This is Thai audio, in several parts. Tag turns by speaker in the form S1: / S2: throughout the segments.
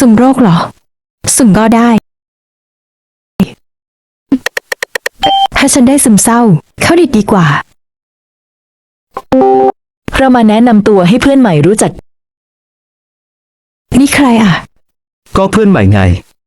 S1: สุ่มโรคเหรอสุ่มก็ได้ถ้าฉันได้ซึมเศร้าเข้าดีกว่า
S2: เรามาแนะนำตัวให้เพื่อนใหม่รู้จัก
S1: นี่ใครอ่ะ
S3: ก็เพื่อนใหม่ไง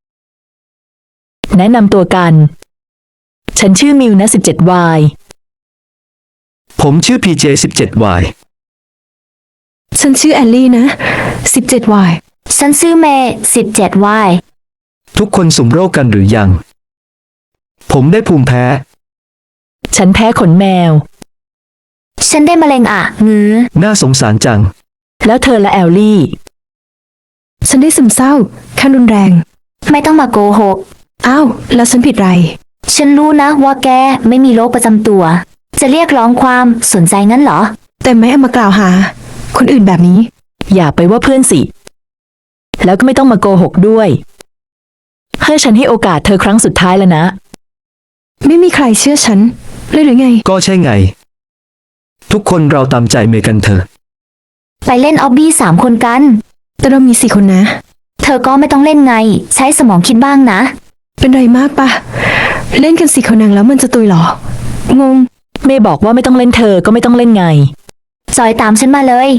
S2: แนะนำตัวกันฉันชื่อมิวนะ 17Y
S3: ผมชื่อ PJ 17Y
S1: ฉันชื่อแอลลี่นะ 17Y
S4: ฉันชื่อเมย์ 17Y
S3: ทุกคนสุ่มโรคกันหรือยังผมได้ภูมิแพ้
S2: ฉันแพ้ขนแมว
S4: ฉันได้มะเร็งอ่ะงื้อ
S3: น่าสงสารจัง
S2: แล้วเธอละแอลลี่
S1: ฉันได้ซึมเศร้าขั้นรุนแรง
S4: ไม่ต้องมาโกหก
S1: อ้าวแล้วฉันผิดไร
S4: ฉันรู้นะว่าแกไม่มีโรคประจำตัวจะเรียกร้องความสนใจงั้นเหรอ
S1: แต่ไม่เอามากล่าวหาคนอื่นแบบนี้
S2: อย่าไปว่าเพื่อนสิแล้วก็ไม่ต้องมาโกหกด้วยให้ฉันให้โอกาสเธอครั้งสุดท้ายแล้วนะ
S1: ไม่มีใครเชื่อฉันเลยหรือไง
S3: ก็ใช่ไงทุกคนเราตามใจเมย์กันเถอะ
S4: ไปเล่นออบบี้3 คนกัน
S1: แต่เรามี4 คนนะ
S4: เธอก็ไม่ต้องเล่นไงใช้สมองคิดบ้างนะ
S1: เป็นไรมากปะเล่นกัน4 คนแล้วมันจะตุยหรองง
S2: เมย์บอกว่าไม่ต้องเล่นเธอก็ไม่ต้องเล่นไง
S4: จอยตามฉันมาเลย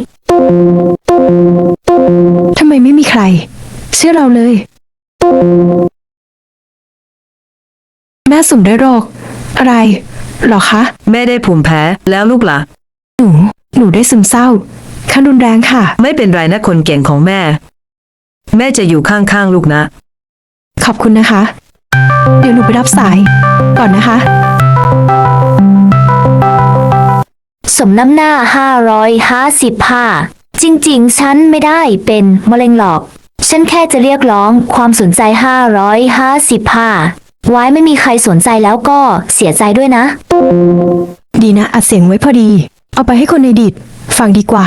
S1: ทำไมไม่มีใครเชื่อเราเลยแม่สุ่มได้โรคอะไรหรอคะ
S5: แม่ได้ภูมิแพ้แล้วลูกล่ะ
S1: หนูได้ซึมเศร้าขั้นรุนแรงค่ะ
S5: ไม่เป็นไรนะคนเก่งของแม่แม่จะอยู่ข้างๆลูกนะ
S1: ขอบคุณนะคะเดี๋ยวหนูไปรับสายก่อนนะคะ
S4: สมน้ำหน้า555จริงๆฉันไม่ได้เป็นมะเร็งหรอกฉันแค่จะเรียกร้องความสนใจ555ไว้ไม่มีใครสนใจแล้วก็เสียใจด้วยนะ
S1: ดีนะอัดเสียงไว้พอดีเอาไปให้คนในดิดฟังดีกว่า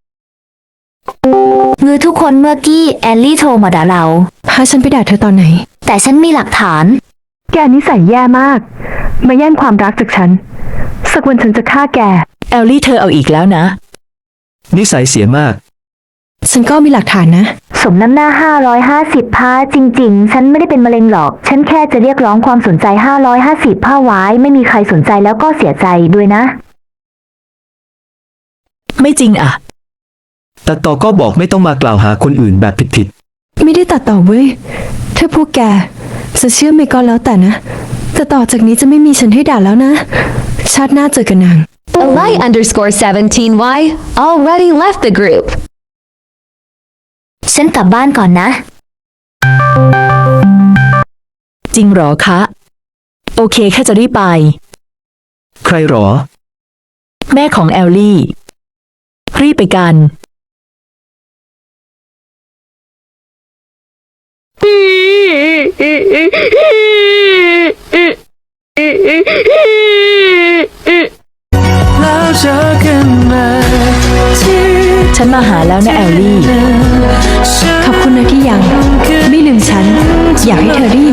S4: งือทุกคนเมื่อกี้แอลลี่โทรมาด่าเรา
S1: พาฉันไปด่าเธอตอนไหน
S4: แต่ฉันมีหลักฐาน
S1: แกนิสัยแย่มากมาแย่งความรักจากฉันสักวันฉันจะฆ่าแก
S2: แอลลี่เธอเอาอีกแล้วนะ
S3: นิสัยเสียมาก
S1: ฉันก็มีหลักฐานนะ
S4: สมน้ำหน้า550จริงๆฉันไม่ได้เป็นมะเร็งหรอกฉันแค่จะเรียกร้องความสนใจ550ไว้ไม่มีใครสนใจแล้วก็เสียใจด้วยนะ
S2: ไม่จริงอ่ะ
S3: แต่ต่อก็บอกไม่ต้องมากล่าวหาคนอื่นแบบผิด
S1: ไม่ได้ตัดต่อเว้ยถ้าพวกแกจะเชื่อไม่ก็แล้วแต่นะแต่ต่อจากนี้จะไม่มีฉันให้ด่าแล้วนะชาติหน้าเจอกันนาง
S6: Eli_17Y already left the group
S4: ฉันกลับบ้านก่อนนะ
S2: จริงหรอคะโอเคแค่จะรีบไป
S3: ใครหรอ
S2: แม่ของแอลลี่รีบไปกันฉันมาหาแล้วนะแอลลี่
S1: ขอบคุณนะที่ยังไม่ลืมฉันอยากให้เธอได้